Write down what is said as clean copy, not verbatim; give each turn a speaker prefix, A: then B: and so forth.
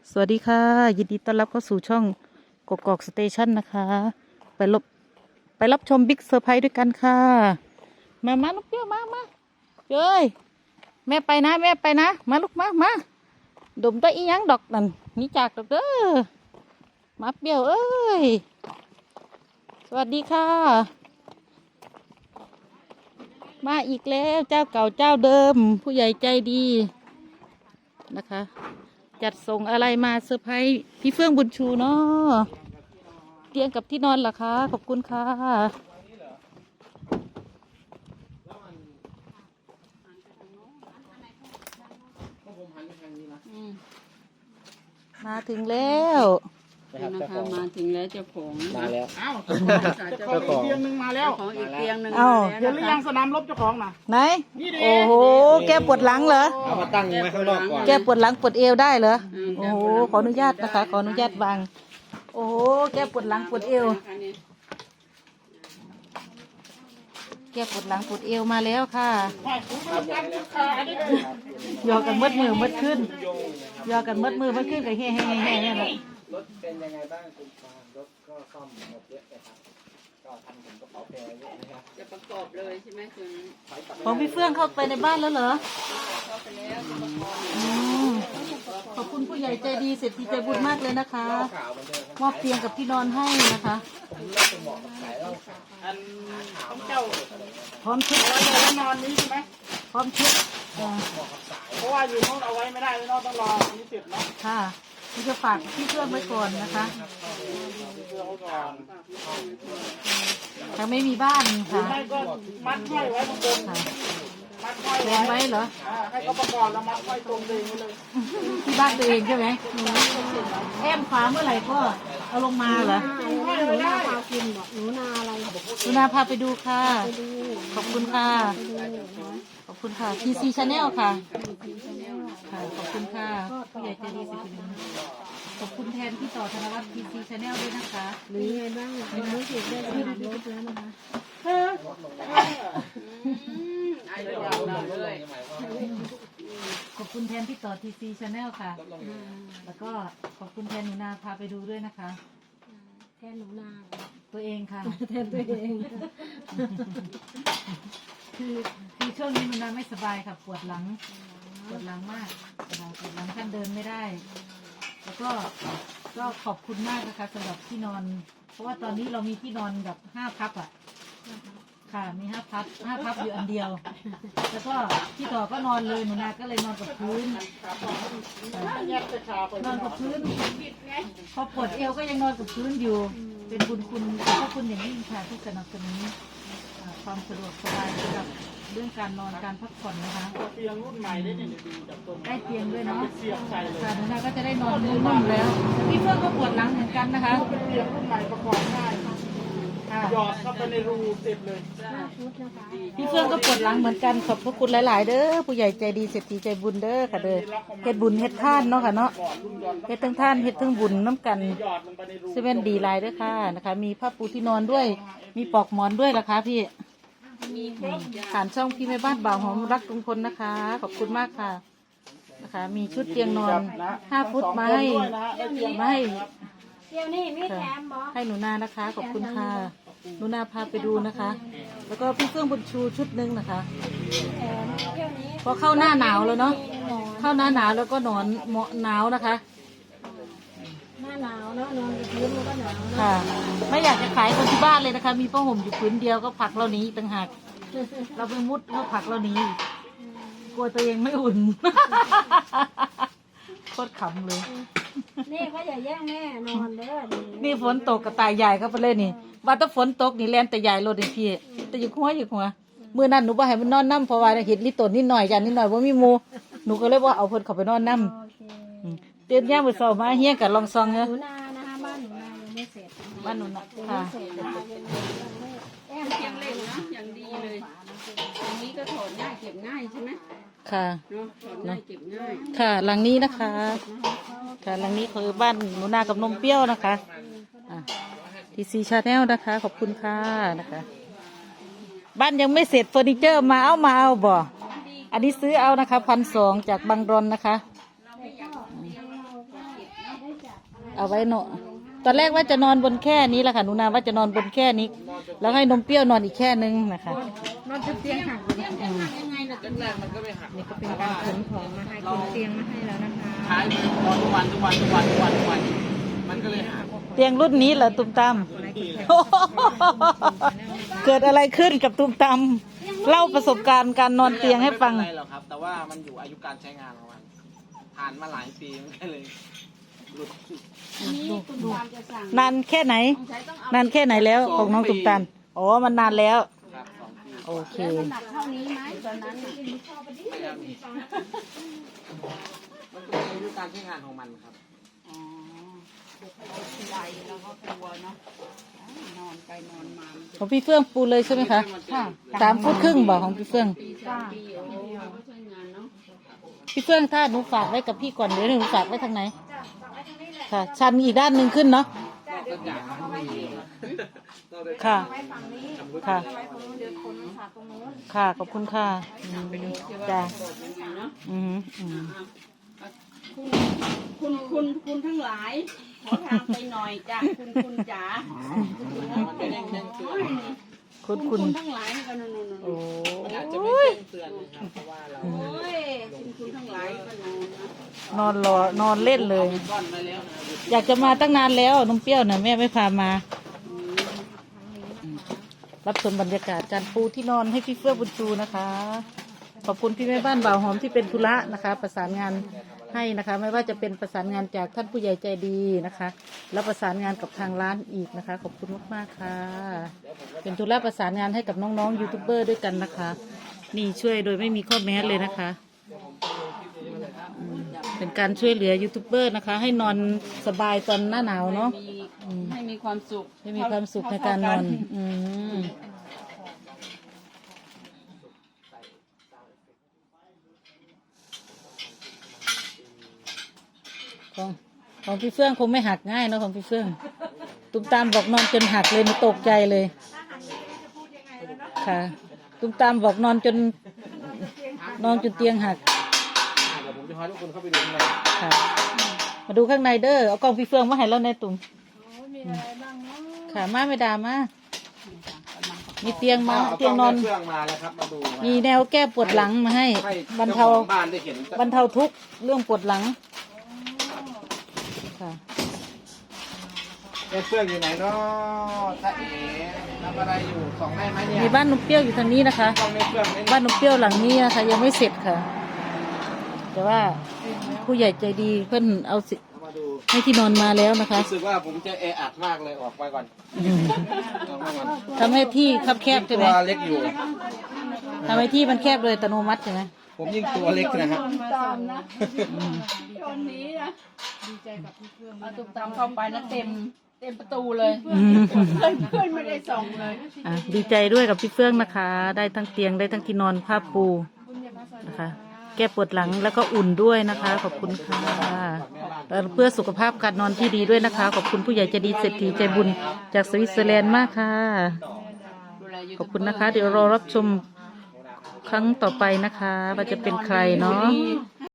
A: สวัสดีค่ะยินดีต้อนรับเข้าสู่ช่องกกอกสเตชันนะคะไปรับชมบิ๊กเซอร์ไพรส์ด้วยกันค่ะมาลูกเปี้ยวมาเจ้ยแม่ไปนะมาลูกมาดมตัวอีหยังดอกนั่นนี่จากดอกเด้อมาเปี้ยวเอ้ยสวัสดีค่ะมาอีกแล้วเจ้าเก่าเจ้าเดิมผู้ใหญ่ใจดีนะคะจัดส่งอะไรมาเซอร์ไพรส์พี่เฟื่องบุญชูเนาะเตียงกับที่นอนเหรอคะขอบคุณค่ะมาถึงแล้ว
B: นะคะมาถึงแล้วเจ้าของ
C: มาแล้ว
D: เจ้าของอีกเตียงหนึ่งมาแล้ว
B: ของอีกเตียงหนึ่ง
D: เห็นหรือยังสนามรบเจ้าของน่ะ
A: ไหนโอ้โหแกปวดหลังเหรอ
C: เอามาตั้งไว้ข้างนอกก่อน
A: แกปวดหลังปวดเอวได้เหรอโอ้โหขออนุญาตนะคะขออนุญาตวางโอ้โหแกปวดหลังปวดเอวแกปวดหลังปวดเอวมาแล้วค่ะยอกันมืดมือมืดขึ้นยอกันมืดมือมืดขึ้นกับเฮ้นี่แหละ
C: รถเป็นยังไงบ้างคุณฟางรถก็ซ่อมหมดเยอะนะครับก็ทำถึงกระเป๋าแพรเยอะนะครับ
B: จะประกอบเลยใช่ไหมคุณ
A: ของพี่เฟื่องเข้าไปในบ้านแล้วเหรอ
B: เข้าไปแล้วจะประกอบ
A: ขอบคุณผู้ใหญ่ใจดีเศรษฐีใจบุญมากเลยนะคะ
C: ข่าวมันเดิน
A: มอบเตียงกับที่นอนให้นะคะ
D: อันของเจ้า
A: พร้อมชุด
D: เอาไว้ในนอนนี้ใช่ไหม
A: พร้อมชุด
D: เพราะว่าอยู่โน้นเอาไว้ไม่ได้เลยเนาะต้องรอนี้เสร็จเนาะ
A: ค่ะนี่จะฝากพี่เฟื่องไว้ก่อนนะคะ
D: เพื่อเขาก่อน
A: ยังไม่มีบ้าน
D: หรือ
A: ค่ะ
D: ไม่ก็มัดห้อยไว้ข้างบน
A: ค่ะ
D: มัดห้อย
A: แรงไว้เหรอ
D: ให้เขาประกอบแล้วมัดห้อยตรงเองไว้เลย
A: ที่บ้านตัวเองใช่ไหมแอมฟ้าเมื่อไหร่ก็เอาลงมาเหรอ
D: ห้อยไว้ได้
A: หนูนาพาไปดูค่ะ ขอบคุณค่ะ ขอบคุณค่ะ TC Channel ค่ะค่ะ ขอบคุณค่ะผู้ใหญ่ใจดีสิคุณขอบคุณแทนพี่ต่อธนวัฒน์ TC Channel ด้วยนะคะหรือไงบ้างรู้สึกได้สนามรบแล้วนะคะ
B: ไอ้เดียวเลย
A: ขอบคุณแทนพี่ต่อ TC Channel ค่ะ แล้วก็ขอบคุณแทนหนูนาพาไปดูด้วยนะคะแทนหนูนาตัวเองค่ะแทนตัวเองคือช่วงนี้หนูนาไม่สบายค่ะปวดหลังมากปวดหลังท่านเดินไม่ได้ แล้วก็ขอบคุณมากนะคะสำหรับที่นอน เพราะว่าตอนนี้เรามีที่นอนแบบ5 พับอ่ะค่ะมี5 พับอยู่อันเดียว แล้วก็พี่ต่อก็นอนเลยหนูนาก็เลยนอนกับพื้นนอนกับพื้นพอปวดเอวก็ยังนอนกับพื้นอยู่ เป็นบุญคุณขอบคุณอย่างยิ่งค่ะที่สนับสนุนความสะดวกสบายสำหรับเรื่องการนอนการพักผ่อนนะคะ
D: เตียงรุ่นใหม่ได้เนี่ยดูจากตรง
A: ได้เตียงด้วยเนาะ
D: เสียบใส่เลย
A: ค่ะหนูนาก็จะได้นอนนุ่มๆแล้วพี่เฟื่องก็ปวดหลังเหมือนกันนะคะ
D: เป็นเตียงรุ่นใหม่ประกอบง่าย
A: ค่ะ
D: หยอดเข้าไปในรูเสร็จเลย
A: พี่เฟื่องก็ปวดหลังเหมือนกันขอบพระคุณหลายๆเด้อผู้ใหญ่ใจดีเศรษฐีใจบุญเด้อค่ะเด้อเฮ็ดบุญเฮ็ดทานเนาะค่ะเนาะเฮ็ดทั้งทานเฮ็ดทั้งบุญน้ำกัน
D: หยอดลงไปในรู
A: เซเว่นดีไลน์ด้วยค่ะนะคะ มีผ้าปูที่นอนด้วย มีปลอกหมอนด้วยนะคะพี่ผ่านช่องพี่แม่บ้านบ่าวหอมรักลุงพลนะคะ ขอบคุณมากค่ะนะคะ มีชุดเตียงนอน5 ฟุตมาให้
E: เดี๋ยวนี้มีแถมบ่
A: ให้หนูนานะคะ ขอบคุณค่ะหนูนาพาไปดูนะคะ แล้วก็พี่เฟื่องบุญชูชุดหนึงนะคะ
E: แถมเดี๋ยวนี้
A: พอเข้าหน้าหนาวแล้วเนาะเข้าหน้าหนาวแล้วก็นอนเหมาะหนาวนะคะ
E: หน้าหนาวเนาะนอนกับพื้นมันก็หนาวเนาะ
A: ค่ะ ไม่อยากจะขายคนที่บ้านเลยนะคะ มีผ้าห่มอยู่ผืนเดียวก็ผลักเราหนีอีกต่างหากเราไปมุดเขาผลักเราหนีอีกกลัวตัวเองไม่อุ่น โคตรขำเลย
E: นี่เขาอย่าแย่งแม่นอนเด้อดี
A: นี่ฝนตกกับตายใหญ่เข้าไปเลยนี่ว่าถ้าฝนตกนี่แลนแต่ใหญ่รถนี่พี่แต่อยู่หัวมื้อนั้นหนูบ่ให้มันนอนน้ำเพราะว่าเห็นลิตนนิดหน่อยจันนิดหน่อยว่ามีหมูหนูก็เลยว่าเอาเพิ่นเข้าไปนอนน้ำ
E: โอเค
A: เตือนย่ามมื้อเช้ามาเฮียงกับลองซองเน
E: ห
A: อะ
E: นูนานะคะบ้านหนูนายังไม่เสร็จนะคะ
A: บ้านหนูนะ
E: ยัง
A: ค่ะ
E: ไม่เสร็จนะคะแอม
B: เตียงเล็กนะอย่างดีเลยอันนี้ก็ถอดง่ายเก็บง่ายใช่ไหม
A: ค่ะ
B: เนาะถอดง่ายเก็บง่าย
A: ค่ะหลังนี้นะคะค่ะหลังนี้คือบ้านหนูนากับนมเปรี้ยวนะคะTC Channel นะคะ ขอบคุณค่ะนะคะ บ้านยังไม่เสร็จเฟอร์นิเจอร์มาเอาบ่อันนี้ซื้อเอานะคะ1,200จากบางรอนนะคะเอาไว้เนาะตอนแรกว่าจะนอนบนแค่นี้แหละค่ะหนูนาว่าจะนอนบนแค่นี้ แล้วให้นมเปรี้ยวนอนอีกแค่นึงนะคะ
E: นอนจะเตียงหักเลย
B: ยังไงล่ะ
D: แรกๆมันก็ไม่หัก
E: นี่ก็เป็นการขนของมาให้คนเตียงมาให้แล้วนะคะ
D: ใช้นอนทุกวันมันก็เลยหัก
A: เตียงรุ่นนี้เหรอตุ้มตาม เกิดอะไรขึ้นกับตุ้มตามเล่าประสบการณ์การนอนเตียงให้ฟัง
D: ไม่เป็นไรหรอกครับ แต่ว่ามันอยู่อายุการใช้งานของมันผ่านมาหลายปีมันก็เลยหลุด
B: อันนี้คุณตามจะสั่ง
A: นานแค่ไหน
B: สงสัยต้องเอา
A: นานแค่ไหนแล้วของน้องตุ้มตามอ๋อมันนานแล้ว
D: ครับ2 ปี
A: โอเค
B: แล้วมันหนักเท่านี้ไหมตอนนั้นน่ะ
D: ไม่ครับมันเป็นอายุการใช้งานของมันครับ
B: อ๋อทีไรแล้วก็กลัวเนาะนอนไปนอนมามันจะ
A: ของพี่เฟื่องปูเลยใช่ไหมคะ3 ฟุตครึ่งบอกของพี่เฟื่อง
B: ปี3 ปีโอ้โหก็ใช้งานเนาะ
A: พี่เฟื่องถ้าหนูฝากไว้กับพี่ก่อนเดี๋ยวหนูฝากไว้ทางไหนค่ะชันอีกด้านหนึ่งขึ้นเนาะค่ะค่ะค่ะขอบคุณค่ะจ้า
B: ยังไงเนาะ
A: อืมอืม
B: คุณทั้งหลาย ขอทางไปหน่อยจ้ะคุณจ๋า
D: มันไม่ได้แจ้งเตือน
A: คุณ
B: ทั้งหลายนี่ก็นู่น
A: โอ้
D: มันอาจจะไม่แจ้งเตือนนะครับเพราะว่าเรา
B: โอ้ยคุณทั้งหลายก็นอนนะ
A: นอนรอนอนเล่นเลย
D: ก้อนมาแล้วนะ
A: อยากจะมาตั้งนานแล้วนมเปรี้ยวน่ะแม่ไม่พามา รับชมบรรยากาศการปูที่นอนให้พี่เฟื่องบุญชูนะคะ ขอบคุณพี่แม่บ้านบ่าวหอมที่เป็นธุระนะคะ ประสานงานให้นะคะ ไม่ว่าจะเป็นประสานงานจากท่านผู้ใหญ่ใจดีนะคะ แล้วประสานงานกับทางร้านอีกนะคะ ขอบคุณมากๆค่ะ เป็นธุระประสานงานให้กับน้องๆยูทูบเบอร์ด้วยกันนะคะ นี่ช่วยโดยไม่มีข้อแม้เลยนะคะเป็นการช่วยเหลือยูทูบเบอร์นะคะ ให้นอนสบายตอนหน้าหนาวเนาะ
B: ให้มีความสุข
A: ให้มีความสุขในการนอน ของพี่เฟื่องคงไม่หักง่ายเนอะของพี่เฟื่องตุ้มตามบอกนอนจนหักเลยมันตกใจเลยค่ะตุ้มตามบอกนอนจนเตียงหัก
D: เดี๋ยวผมจะพาทุกคนเข้าไปดูข้างใน
A: ค่ะ มาดูข้างในเด้อเอากล้องพี่เฟื่องมาให้แล้วในตุ่มค่ะมาไม่ด่ามามีเตียงมาเตียงนอน
D: เครื่องมาแล้วครับมาดู
A: มีแนวแก้ปวดหลังมาให้บรรเทา
D: บ้านได้เห็น
A: บรรเทาทุกข์เรื่องปวดหลังค่ะ
D: เครื่องอยู่ไหนเนาะถ้าเอ๋ทำอะไรอยู่ส่องได้ไหมเนี่ย
A: มีบ้านนุ่มเปรี้ยวอยู่ทางนี้นะคะ
D: ต้องในเครื่องไหม
A: บ้านนุ่มเปรี้ยวหลังนี้นะคะยังไม่เสร็จค่ะ แต่ว่าผู้ใหญ่ใจดีเพื่อนเอาสิ
D: มาดู
A: ให้ที่นอนมาแล้วนะคะ
D: รู้สึกว่าผมจะแออัดมากเลยออกไปก่อน
A: อืม
D: ออกมาก่อน
A: ทำให้ที่คับแคบใช่ไหม
D: ตัวเล็กอยู่
A: ทำให้ที่มันแคบเลยอัตโนมัติใช่ไหม
D: ผมยิ่งตัวเล็กนะครับ
B: ตามนะชนนี้นะดีใจกับพี่เพื่อนเอาตุกตามเข้าไปนะเต็มประตูเลย
A: อืม
B: เพื่อนไม่ได้ส่องเลย
A: อ่ะดีใจด้วยกับพี่เฟื่องนะคะ ได้ทั้งเตียงได้ทั้งที่นอนผ้าปูนะคะ แก้ปวดหลังแล้วก็อุ่นด้วยนะคะ ขอบคุณค่ะเพื่อสุขภาพการนอนที่ดีด้วยนะคะ ขอบคุณผู้ใหญ่ใจดีเศรษฐีใจบุญจากสวิตเซอร์แลนด์มากค่ะ ขอบคุณนะคะ เดี๋ยวรอรับชมครั้งต่อไปนะคะว่าจะเป็นใครเนาะ
B: มี